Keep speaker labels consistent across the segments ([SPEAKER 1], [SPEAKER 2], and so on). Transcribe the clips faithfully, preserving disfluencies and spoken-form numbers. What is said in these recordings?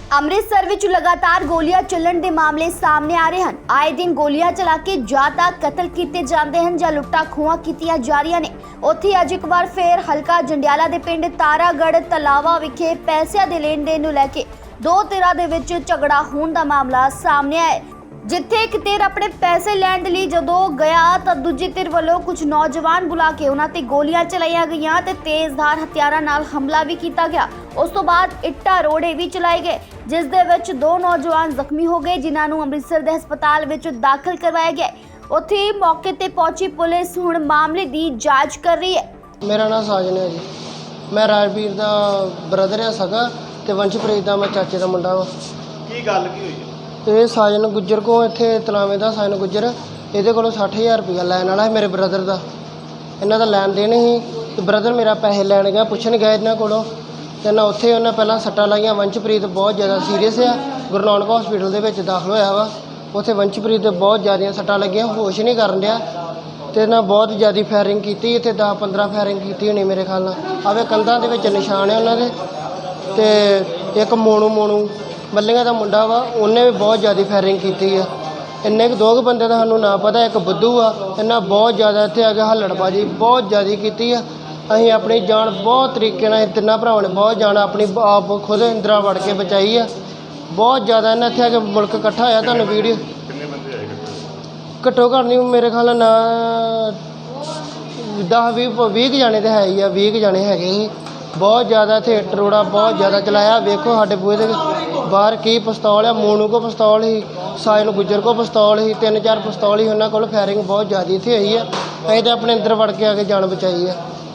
[SPEAKER 1] ਅੰਮ੍ਰਿਤਸਰ ਵਿੱਚ ਲਗਾਤਾਰ ਗੋਲੀਆਂ ਚੱਲਣ ਦੇ ਮਾਮਲੇ ਸਾਹਮਣੇ ਆ ਰਹੇ ਹਨ। ਆਏ ਦਿਨ ਗੋਲੀਆਂ ਚਲਾ ਕੇ ਜਾਂ ਤਾਂ ਕਤਲ ਕੀਤੇ ਜਾਂਦੇ ਹਨ ਜਾਂ ਲੁੱਟਾਂ ਖੋਹਾਂ ਕੀਤੀਆਂ ਜਾ ਰਹੀਆਂ ਨੇ। ਉੱਥੇ ਅੱਜ ਇੱਕ ਵਾਰ ਫੇਰ ਹਲਕਾ ਜੰਡਿਆਲਾ ਦੇ ਪਿੰਡ ਤਾਰਾਗੜ੍ਹ ਤਲਾਵਾ ਵਿਖੇ ਪੈਸਿਆਂ ਦੇ ਲੈਣ ਦੇਣ ਨੂੰ ਲੈ ਕੇ ਦੋ ਧਿਰਾਂ ਦੇ ਵਿੱਚ ਝਗੜਾ ਹੋਣ ਦਾ ਮਾਮਲਾ ਸਾਹਮਣੇ ਆਇਆ, ਜਿੱਥੇ ਇੱਕ ਧਿਰ ਆਪਣੇ ਪੈਸੇ ਲੈਣ ਦੇ ਲਈ ਜਦੋਂ ਗਿਆ ਤਾਂ ਦੂਜੀ ਧਿਰ ਵੱਲੋਂ ਕੁਝ ਨੌਜਵਾਨ ਬੁਲਾ ਕੇ ਉਹਨਾਂ ਤੇ ਗੋਲੀਆਂ ਚਲਾਈਆਂ ਗਈਆਂ ਤੇ ਤੇਜ਼ਧਾਰ ਹਥਿਆਰਾਂ ਨਾਲ ਹਮਲਾ ਵੀ ਕੀਤਾ ਗਿਆ। ਉਸ ਤੋਂ ਬਾਅਦ ਇੱਟਾਂ ਰੋੜੇ ਵੀ ਚਲਾਏ ਗਏ, ਜਿਸ ਦੇ ਵਿੱਚ ਦੋ ਨੌਜਵਾਨ ਜ਼ਖਮੀ ਹੋ ਗਏ, ਜਿਨ੍ਹਾਂ ਨੂੰ ਅੰਮ੍ਰਿਤਸਰ ਦੇ ਹਸਪਤਾਲ ਵਿੱਚ ਦਾਖਲ ਕਰਵਾਇਆ ਗਿਆ। ਉੱਥੇ ਮੌਕੇ ਤੇ ਪਹੁੰਚੀ ਪੁਲਿਸ ਹੁਣ ਮਾਮਲੇ ਦੀ ਜਾਂਚ ਕਰ ਰਹੀ ਹੈ।
[SPEAKER 2] ਮੇਰਾ ਨਾਮ ਸਾਜਨ ਹੈ ਜੀ। ਮੈਂ ਰਾਜਵੀਰ ਦਾ ਬ੍ਰਦਰ ਆ ਸਗਾ ਤੇ ਵੰਸ਼ਪ੍ਰੀਤ ਦਾ ਮੈਂ ਚਾਚੇ ਦਾ ਮੁੰਡਾ ਵਾ।
[SPEAKER 3] ਕੀ ਗੱਲ ਕੀ ਹੋਈ ਹੈ?
[SPEAKER 2] ਇਹ ਸਾਜਨ ਗੁੱਜਰ ਕੋ ਇੱਥੇ ਤਲਾਵੇਂ ਦਾ ਸਾਜਨ ਗੁੱਜਰ ਇਹਦੇ ਕੋਲੋਂ ਸੱਠ ਹਜ਼ਾਰ ਰੁਪਇਆ ਲੈਣ ਵਾਲਾ ਹੈ ਮੇਰੇ ਬ੍ਰਦਰ ਦਾ। ਇਹਨਾਂ ਦਾ ਲੈਣ ਦੇਣ ਸੀ ਤੇ ਬ੍ਰਦਰ ਮੇਰਾ ਪੈਸੇ ਲੈਣ ਗਿਆ, ਪੁੱਛਣ ਗਿਆ ਇਹਨਾਂ ਕੋਲੋਂ ਤੇ ਨਾ ਉੱਥੇ ਉਹਨਾਂ ਪਹਿਲਾਂ ਸੱਟਾਂ ਲਾਈਆਂ। ਵੰਸ਼ਪ੍ਰੀਤ ਬਹੁਤ ਜ਼ਿਆਦਾ ਸੀਰੀਅਸ ਆ, ਗੁਰੂ ਨਾਨਕ ਹਸਪੀਟਲ ਦੇ ਵਿੱਚ ਦਾਖਲ ਹੋਇਆ ਵਾ। ਉੱਥੇ ਵੰਸ਼ਪ੍ਰੀਤ ਦੇ ਬਹੁਤ ਜ਼ਿਆਦੀਆਂ ਸੱਟਾਂ ਲੱਗੀਆਂ, ਹੋਸ਼ ਨਹੀਂ ਕਰਨ ਡਿਆ ਤੇ ਨਾ ਬਹੁਤ ਜ਼ਿਆਦਾ ਫਾਇਰਿੰਗ ਕੀਤੀ। ਇੱਥੇ ਦਸ ਪੰਦਰਾਂ ਫਾਇਰਿੰਗ ਕੀਤੀ ਹੋਣੀ ਮੇਰੇ ਖਿਆਲ ਨਾਲ। ਆਵੇ ਕੰਧਾਂ ਦੇ ਵਿੱਚ ਨਿਸ਼ਾਨ ਹੈ ਉਹਨਾਂ ਦੇ। ਤੇ ਇੱਕ ਮੋਨੂ ਮੋਨੂ ਮੱਲੀਆਂ ਦਾ ਮੁੰਡਾ ਵਾ, ਉਹਨੇ ਵੀ ਬਹੁਤ ਜ਼ਿਆਦਾ ਫਾਇਰਿੰਗ ਕੀਤੀ ਆ। ਇੰਨੇ ਕੁ ਦੋ ਕੁ ਬੰਦੇ ਦਾ ਸਾਨੂੰ ਨਾ ਪਤਾ, ਇੱਕ ਬੁੱਧੂ ਆ। ਇਹਨਾਂ ਬਹੁਤ ਜ਼ਿਆਦਾ ਇੱਥੇ ਆ ਕੇ ਹੱਲੜਬਾਜੀ ਬਹੁਤ ਜ਼ਿਆਦਾ ਕੀਤੀ ਆ। ਅਸੀਂ ਆਪਣੀ ਜਾਨ ਬਹੁਤ ਤਰੀਕੇ ਨਾਲ ਤਿੰਨਾਂ ਭਰਾਵਾਂ ਨੇ ਬਹੁਤ ਜਾਨ ਆਪਣੀ ਆਪ ਖੁਦ ਇੰਦਰਾ ਵੜ ਕੇ ਬਚਾਈ ਆ। ਬਹੁਤ ਜ਼ਿਆਦਾ ਇਹਨਾਂ ਇੱਥੇ ਆ ਕੇ ਮੁਲਕ ਇਕੱਠਾ ਹੋਇਆ। ਤੁਹਾਨੂੰ ਵੀਡੀਓ
[SPEAKER 3] ਕਿੰਨੇ ਬੰਦੇ ਆਏ?
[SPEAKER 2] ਘੱਟੋ ਘੱਟ ਨਹੀਂ ਮੇਰੇ ਖਿਆਲ ਨਾਲ ਦਸ ਵੀਹ ਵੀਹ ਕੁ ਜਾਣੇ ਤਾਂ ਹੈ ਹੀ ਆ, ਵੀਹ ਕੁ ਜਾਣੇ ਹੈਗੇ ਸੀ। ਬਹੁਤ ਜ਼ਿਆਦਾ ਇੱਥੇ ਇੱਟ ਰੋੜਾ ਬਹੁਤ ਜ਼ਿਆਦਾ ਚਲਾਇਆ। ਵੇਖੋ ਸਾਡੇ ਬੂਹੇ ਦੇ ਬਾਹਰ ਕੀ ਪਿਸਤੌਲ ਆ। ਮੋਨੂ ਕੋ ਪਿਸਤੌਲ ਸੀ, ਸਾਜਨ ਗੁੱਜਰ ਕੋ ਪਿਸਤੌਲ ਸੀ, ਤਿੰਨ ਚਾਰ ਪਿਸਤੌਲ ਸੀ ਉਹਨਾਂ ਕੋਲ। ਫਾਇਰਿੰਗ ਬਹੁਤ ਜ਼ਿਆਦਾ ਇੱਥੇ ਹੋਈ ਆ। ਅਸੀਂ ਤਾਂ ਆਪਣੇ ਅੰਦਰ ਵੜ ਕੇ ਆ ਕੇ ਜਾਨ ਬਚਾਈ ਆ।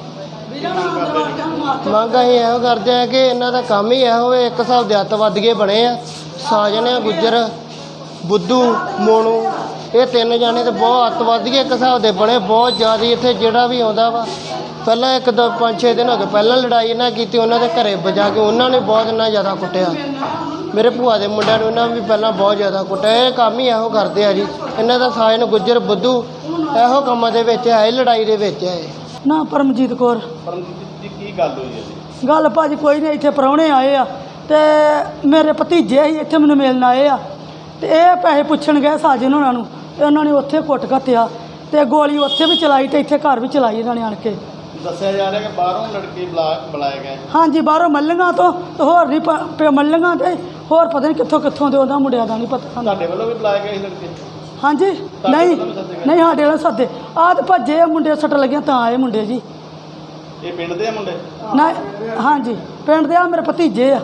[SPEAKER 2] ਮੰਗ ਅਸੀਂ ਇਹੋ ਕਰਦੇ ਆ ਕਿ ਇਹਨਾਂ ਦਾ ਕੰਮ ਹੀ ਇਹੋ ਹੋਵੇ। ਇੱਕ ਹਿਸਾਬ ਦੇ ਅੱਤਵਾਦੀਏ ਬਣੇ ਆ। ਸਾਜਨ ਆ ਗੁੱਜਰ, ਬੁੱਧੂ, ਮੋਨੂ, ਇਹ ਤਿੰਨ ਜਾਣੇ ਤੇ ਬਹੁਤ ਅੱਤਵਾਦੀਏ ਇੱਕ ਹਿਸਾਬ ਦੇ ਬਣੇ ਬਹੁਤ ਜ਼ਿਆਦਾ। ਇੱਥੇ ਜਿਹੜਾ ਵੀ ਆਉਂਦਾ ਵਾ ਪਹਿਲਾਂ ਇੱਕ ਦੋ ਪੰਜ ਛੇ ਦਿਨ ਹੋ ਗਏ ਪਹਿਲਾਂ ਲੜਾਈ ਇਹਨਾਂ ਕੀਤੀ, ਉਹਨਾਂ ਦੇ ਘਰੇ ਵਜਾ ਕੇ ਉਹਨਾਂ ਨੇ ਬਹੁਤ ਇੰਨਾ ਜ਼ਿਆਦਾ ਕੁੱਟਿਆ। ਮੇਰੇ ਭੂਆ ਦੇ ਮੁੰਡਿਆਂ ਨੂੰ ਇਹਨਾਂ ਵੀ ਪਹਿਲਾਂ ਬਹੁਤ ਜ਼ਿਆਦਾ ਕੁੱਟਿਆ। ਇਹ ਕੰਮ ਹੀ ਇਹੋ ਕਰਦੇ ਆ ਜੀ ਇਹਨਾਂ ਦਾ। ਸਾਜਨ ਗੁੱਜਰ, ਬੁੱਧੂ ਇਹੋ ਕੰਮਾਂ ਦੇ ਵਿੱਚ ਹੈ, ਲੜਾਈ ਦੇ ਵਿੱਚ ਹੈ।
[SPEAKER 4] ਨਾ ਪਰਮਜੀਤ ਕੌਰ।
[SPEAKER 3] ਪਰਮਜੀਤ ਜੀ ਕੀ ਗੱਲ ਹੋਈ ਹੈ ਜੀ?
[SPEAKER 4] ਗੱਲ ਭਾਜੀ ਕੋਈ ਨਹੀਂ, ਇੱਥੇ ਪ੍ਰਾਹੁਣੇ ਆਏ ਆ ਤੇ ਮੇਰੇ ਭਤੀਜੇ ਹੀ ਇੱਥੇ ਮੈਨੂੰ ਮਿਲਣ ਆਏ ਆ ਤੇ ਇਹ ਪੈਸੇ ਪੁੱਛਣ ਗਏ ਸਾਜਨ ਉਹਨਾਂ ਨੂੰ ਤੇ ਉਹਨਾਂ ਨੇ ਉੱਥੇ ਕੁੱਟ ਘੱਤਿਆ ਤੇ ਗੋਲੀ ਉੱਥੇ ਵੀ ਚਲਾਈ ਤੇ ਇੱਥੇ ਘਰ ਵੀ ਚਲਾਈ ਇਹਨਾਂ ਨੇ ਆਣ ਕੇ।
[SPEAKER 3] ਦੱਸਿਆ ਜਾ ਰਿਹਾ ਕਿ ਬਾਹਰੋਂ ਲੜਕੇ ਬੁਲਾ ਬੁਲਾਏ ਗਏ।
[SPEAKER 4] ਹਾਂਜੀ, ਬਾਹਰੋਂ ਮੱਲੀਆਂ ਤੋਂ ਤੇ ਹੋਰ ਨਹੀਂ ਪ ਮੱਲੀਆਂ ਤੇ ਹੋਰ ਪਤਾ ਨਹੀਂ ਕਿੱਥੋਂ ਕਿੱਥੋਂ ਦੇ ਉਹਨਾਂ ਮੁੰਡਿਆਂ ਦਾ ਨਹੀਂ ਪਤਾ।
[SPEAKER 3] ਤੁਹਾਡੇ ਵੱਲੋਂ ਵੀ ਬੁਲਾਏ ਗਏ ਸੀ ਲੜਕੇ?
[SPEAKER 4] ਹਾਂਜੀ, ਨਹੀਂ ਨਹੀਂ ਸਾਡੇ ਵਾਲੇ ਸੱਦੇ ਆਹ ਤੇ ਭੱਜੇ ਆ ਮੁੰਡੇ, ਸੱਟ ਲੱਗੀਆਂ ਤਾਂ ਆਏ ਮੁੰਡੇ ਜੀ।
[SPEAKER 3] ਇਹ ਪਿੰਡ ਦੇ ਆ ਮੁੰਡੇ?
[SPEAKER 4] ਨਾ ਹਾਂਜੀ ਪਿੰਡ ਦੇ ਆ, ਮੇਰੇ ਭਤੀਜੇ ਆ।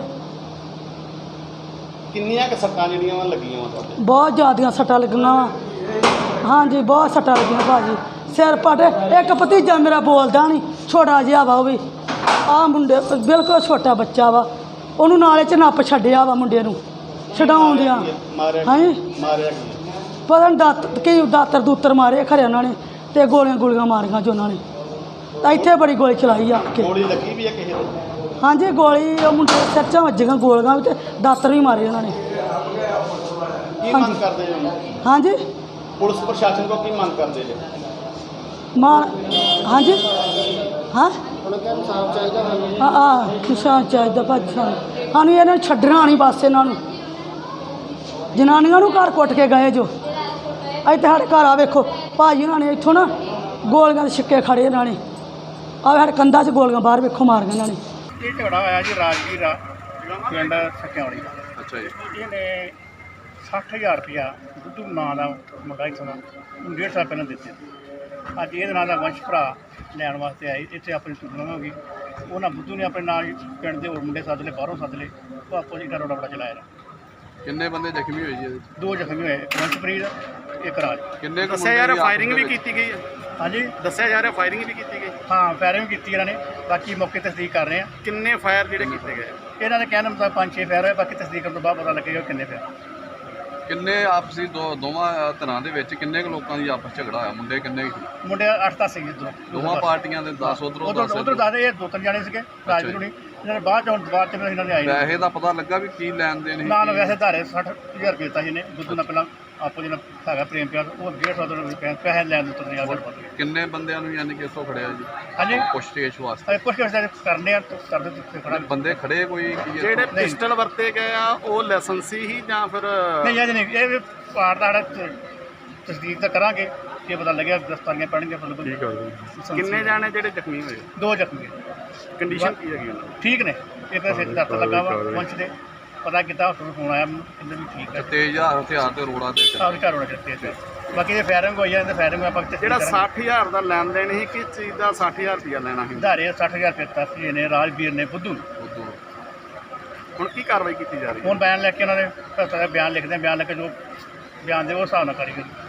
[SPEAKER 3] ਕਿੰਨੀਆਂ ਕੁ ਸੱਟਾਂ ਜਿਹੜੀਆਂ ਵਾ ਲੱਗੀਆਂ ਵਾ ਤੁਹਾਡੇ?
[SPEAKER 4] ਬਹੁਤ ਜ਼ਿਆਦੀਆਂ ਸੱਟਾਂ ਲੱਗੀਆਂ ਵਾ। ਹਾਂਜੀ ਬਹੁਤ ਸੱਟਾਂ ਲੱਗੀਆਂ ਭਾਜੀ, ਸਿਰ ਪਟ। ਇੱਕ ਭਤੀਜਾ ਮੇਰਾ ਬੋਲਦਾ ਨਹੀਂ, ਛੋਟਾ ਜਿਹਾ ਵਾ ਉਹ ਵੀ। ਆਹ ਮੁੰਡੇ ਬਿਲਕੁਲ ਛੋਟਾ ਬੱਚਾ ਵਾ, ਉਹਨੂੰ ਨਾਲੇ 'ਚ ਨੱਪ ਛੱਡਿਆ ਵਾ ਮੁੰਡੇ ਨੂੰ ਛਡਾਉਂਦਿਆਂ। ਹਾਂਜੀ
[SPEAKER 3] ਮਾਰਿਆ ਕੀ?
[SPEAKER 4] ਪਤਾ ਨਹੀਂ ਦਾਤ ਕੀ ਦਾਤਰ ਦੂਤਰ ਮਾਰੇ ਖਰੇ ਉਹਨਾਂ ਨੇ ਤੇ ਗੋਲੀਆਂ ਗੋਲੀਆਂ ਮਾਰੀਆਂ ਜੋ ਉਹਨਾਂ ਨੇ। ਤਾਂ ਇੱਥੇ ਬੜੀ ਗੋਲੀ ਚਲਾਈ ਆ ਕੇ।
[SPEAKER 3] ਗੋਲੀ ਲੱਗੀ ਵੀ ਆ ਕਿਸੇ ਨੂੰ?
[SPEAKER 4] ਹਾਂਜੀ ਗੋਲੀ ਉਹ ਮੁੰਡੇ ਸਿਰ 'ਚ ਵੱਜੀਆਂ ਗੋਲੀਆਂ ਵੀ ਤੇ ਦਾਤਰ ਵੀ ਮਾਰੇ ਉਹਨਾਂ ਨੇ।
[SPEAKER 3] ਕੀ ਮੰਗ ਕਰਦੇ ਜੀ?
[SPEAKER 4] ਹਾਂਜੀ
[SPEAKER 3] ਪੁਲਿਸ ਪ੍ਰਸ਼ਾਸਨ ਕੋਲ ਕੀ ਮੰਗ ਕਰਦੇ ਜੀ?
[SPEAKER 4] ਮਾਂ ਹਾਂਜੀ ਹਾਂ
[SPEAKER 2] ਹੁਣ ਕਿ ਇਨਸਾਫ ਚਾਹੀਦਾ ਸਾਨੂੰ।
[SPEAKER 4] ਹਾਂ ਆ ਕਿਸਾਨ ਚਾਹੀਦਾ ਭਾਜੀ ਸਾਨੂੰ। ਸਾਨੂੰ ਇਹਨਾਂ ਨੂੰ ਛੱਡਣਾ ਨਹੀਂ ਬਸ। ਇਹਨਾਂ ਨੂੰ ਜਨਾਨੀਆਂ ਨੂੰ ਘਰ ਕੁੱਟ ਕੇ ਗਏ ਜੋ। ਇੱਥੇ ਸਾਡੇ ਘਰ ਆ ਵੇਖੋ ਭਾਜੀ ਉਹਨਾਂ ਨੇ ਇੱਥੋਂ ਨਾ ਗੋਲੀਆਂ ਦੇ ਛਿੱਕੇ ਖੜੇ ਇਹਨਾਂ ਨੇ। ਆ ਸਾਡੇ ਕੰਧਾਂ 'ਚ ਗੋਲੀਆਂ ਬਾਹਰ ਵੇਖੋ ਮਾਰੀਆਂ ਇਹਨਾਂ ਨੇ।
[SPEAKER 5] ਇਹ ਝਗੜਾ ਹੋਇਆ ਜੀ ਰਾਜਵੀਰ ਆ ਪਿੰਡ ਸਕਿਆਉਣੀ ਦਾ।
[SPEAKER 3] ਅੱਛਾ ਜੀ।
[SPEAKER 5] ਇਹਨੇ ਸੱਠ ਹਜ਼ਾਰ ਰੁਪਇਆ ਬੁੱਧੂ ਨਾਂ ਦਾ ਮੁੰਡਾ ਇੱਥੋਂ ਦਾ ਉਹਨੂੰ ਡੇਢ ਸਾਲ ਪਹਿਲਾਂ ਦਿੱਤੇ। ਅੱਜ ਇਹਦੇ ਨਾਂ ਦਾ ਵੰਸ਼ ਭਰਾ ਲੈਣ ਵਾਸਤੇ ਆਏ। ਇੱਥੇ ਆਪਣੀ ਟੂਰਨਾਮੈਂਟ ਹੋ ਗਈ। ਉਹਨਾਂ ਬੁੱਧੂ ਨੇ ਆਪਣੇ ਨਾਲ ਪਿੰਡ ਦੇ ਹੋਰ ਮੁੰਡੇ ਸੱਦ ਲਏ, ਬਾਹਰੋਂ ਸੱਦ ਲਏ। ਉਹ ਆਪੋ ਜੀ ਰੋੜਾ ਬੜਾ ਚਲਾਇਆ।
[SPEAKER 6] ਕਿੰਨੇ ਬੰਦੇ ਜ਼ਖਮੀ ਹੋਏ ਜੀ ਇਹਦੇ ਵਿੱਚ?
[SPEAKER 5] ਦੋ ਜ਼ਖਮੀ ਹੋਏ, ਵੰਸ਼ਪ੍ਰੀਤ, ਇੱਕ ਰਾਜ।
[SPEAKER 6] ਕਿੰਨੇ ਕੁ
[SPEAKER 3] ਦੱਸਿਆ ਜਾ ਰਿਹਾ ਫਾਇਰਿੰਗ ਵੀ
[SPEAKER 6] ਕੀਤੀ?
[SPEAKER 3] ਕੀਤੀ ਗਈ ਹੈ?
[SPEAKER 5] ਹਾਂਜੀ
[SPEAKER 3] ਦੱਸਿਆ ਜਾ ਰਿਹਾ ਫਾਇਰਿੰਗ ਵੀ ਕੀਤੀ ਗਈ?
[SPEAKER 5] ਹਾਂ ਫਾਇਰਿੰਗ ਵੀ ਕੀਤੀ ਇਹਨਾਂ ਨੇ। ਬਾਕੀ ਮੌਕੇ ਤਸਦੀਕ ਕਰ ਰਹੇ ਆ।
[SPEAKER 3] ਕਿੰਨੇ ਫਾਇਰ ਜਿਹੜੇ ਕੀਤੇ ਗਏ?
[SPEAKER 5] ਇਹਨਾਂ ਦੇ ਕਹਿਣ ਮੁਤਾਬਕ ਪੰਜ ਛੇ ਫਾਇਰ ਹੋਏ। ਬਾਕੀ ਤਸਦੀਕ ਕਰਨ ਤੋਂ ਬਾਅਦ ਪਤਾ ਲੱਗੇਗਾ ਕਿੰਨੇ ਫਾਇਰ।
[SPEAKER 6] ਕਿੰਨੇ ਆਪਸੀ ਦੋ ਦੋਵਾਂ ਧਿਰਾਂ ਦੇ ਵਿੱਚ ਕਿੰਨੇ ਕੁ ਲੋਕਾਂ ਦੀ ਆਪਸ ਝਗੜਾ ਹੋਇਆ? ਮੁੰਡੇ ਕਿੰਨੇ ਕੁ ਸੀ?
[SPEAKER 5] ਮੁੰਡੇ ਅੱਠ ਦਸ ਸੀਗੇ ਇੱਧਰੋਂ
[SPEAKER 6] ਦੋਵਾਂ ਪਾਰਟੀਆਂ ਦੇ ਦਸ ਉਧਰੋਂ
[SPEAKER 5] ਉਧਰ
[SPEAKER 6] ਦਸ
[SPEAKER 5] ਉਧਰ ਦੱਸਦੇ ਇਹ ਦੋ ਤਿੰਨ ਜਾਣੇ ਸੀਗੇ ਰਾਜਵੀਰ ਹੁਣੀ। ਇਹਨਾਂ ਨੇ ਬਾਅਦ ਚ ਹੁਣ ਬਾਅਦ ਚ ਇਹਨਾਂ ਨੇ ਆਏ
[SPEAKER 6] ਪੈਸੇ ਦਾ ਪਤਾ ਲੱਗਾ ਵੀ ਕੀ ਲੈਣ ਦੇਣ ਸੀ?
[SPEAKER 5] ਨਾਲ ਵੈਸੇ ਧਾਰੇ ਸੱਠ ਹਜ਼ਾਰ ਰੁਪਏ ਦਿੱਤਾ ਸੀ ਇਹਨੇ ਬੁੱਧੂ ਨਾਲ ਪਹਿਲਾਂ ਆਪੋ ਜਿਹੜਾ ਹੈਗਾ ਪ੍ਰੇਮ ਪਿਆਰ ਉਹ ਡੇਢ ਸੌ ਰੁਪਏ ਪੈਸੇ ਪੈਸੇ ਲੈਣ ਦੇ ਤੁਰਨੇ ਆ
[SPEAKER 6] ਹੋਰ
[SPEAKER 5] ਗੱਲ
[SPEAKER 6] ਕਿੰਨੇ ਬੰਦਿਆਂ ਨੂੰ ਯਾਨੀ ਕਿ ਇੱਥੋਂ ਖੜਿਆ ਜੀ
[SPEAKER 5] ਹਾਂਜੀ
[SPEAKER 6] ਪੁੱਛਤੇਛ ਵਾਸਤੇ
[SPEAKER 5] ਅਸੀਂ ਪੁੱਛ ਕੇ ਕਰਨੇ ਆ ਕਰਦੇ ਤੇ ਖੜਾ
[SPEAKER 6] ਬੰਦੇ ਖੜੇ ਕੋਈ ਕੀ ਹੈ?
[SPEAKER 3] ਜਿਹੜੇ ਪਿਸਟਲ ਵਰਤੇ ਗਏ ਆ ਉਹ ਲਾਇਸੈਂਸੀ ਹੀ ਜਾਂ ਫਿਰ
[SPEAKER 5] ਨਹੀਂ ਅੱਜ ਨਹੀਂ ਇਹ ਪਾਰ ਦਾ ਸਾਡਾ ਤਸਦੀਕ ਤਾਂ ਕਰਾਂਗੇ ਕਿ ਪਤਾ ਲੱਗਿਆ ਦਸਤਾਨੀਆਂ ਪੈਣਗੀਆਂ ਬਿਲਕੁਲ ਠੀਕ ਹੈ
[SPEAKER 3] ਕਿੰਨੇ ਜਾਣੇ ਜਿਹੜੇ ਜ਼ਖਮੀ ਹੋਏ
[SPEAKER 5] ਦੋ ਜ਼ਖਮੀ
[SPEAKER 3] ਕੰਡੀਸ਼ਨ ਕੀ ਹੈਗੀ ਉਹਨਾਂ ਦੀ?
[SPEAKER 5] ਠੀਕ ਨੇ ਇੱਕ ਦਾ ਸਿਰ ਦਰਦ ਲੱਗਾ ਵਾ ਪਹੁੰਚ ਦੇ ਪਤਾ ਕੀਤਾ ਹਸਪਤਾਲ ਫੋਨ ਆਇਆ ਮੈਨੂੰ ਕਹਿੰਦੇ ਵੀ ਠੀਕ ਹੈ
[SPEAKER 6] ਤੇਜ਼ ਹਥਿਆਰ ਤੇ ਰੋੜਾ ਤੇ
[SPEAKER 5] ਸਾਰੇ ਘਰ ਹੋਣਾ ਚਾਹੀਦੇ ਬਾਕੀ ਜੇ ਫਾਇਰਿੰਗ ਹੋਈ ਜਾਂਦੇ ਫਾਇਰਿੰਗ ਆਪਾਂ ਤਸਦੀਕ
[SPEAKER 3] ਜਿਹੜਾ
[SPEAKER 5] ਕਰਾਂਗੇ।
[SPEAKER 3] ਸੱਠ ਹਜ਼ਾਰ ਦਾ ਲੈਣ ਦੇਣ ਸੀ ਕਿਸ ਚੀਜ਼ ਦਾ ਸੱਠ ਹਜ਼ਾਰ ਰੁਪਇਆ ਲੈਣਾ ਸੀ
[SPEAKER 5] ਧਾਰੇ ਸੱਠ ਹਜ਼ਾਰ ਰੁਪਏ ਤਸਦੀਕ ਨੇ ਰਾਜਵੀਰ ਨੇ ਬੁੱਧੂ ਨੇ।
[SPEAKER 6] ਉਦੋਂ
[SPEAKER 3] ਹੁਣ ਕੀ ਕਾਰਵਾਈ ਕੀਤੀ ਜਾ ਰਹੀ ਹੈ?
[SPEAKER 5] ਹੁਣ ਬਿਆਨ ਲੈ ਕੇ ਉਹਨਾਂ ਨੇ ਬਿਆਨ ਲਿਖਦੇ ਆ, ਬਿਆਨ ਲੈ ਕੇ ਜੋ ਬਿਆਨ ਦੇ ਉਹ ਹਿਸਾਬ ਨਾਲ ਕਾਰੀਗਰ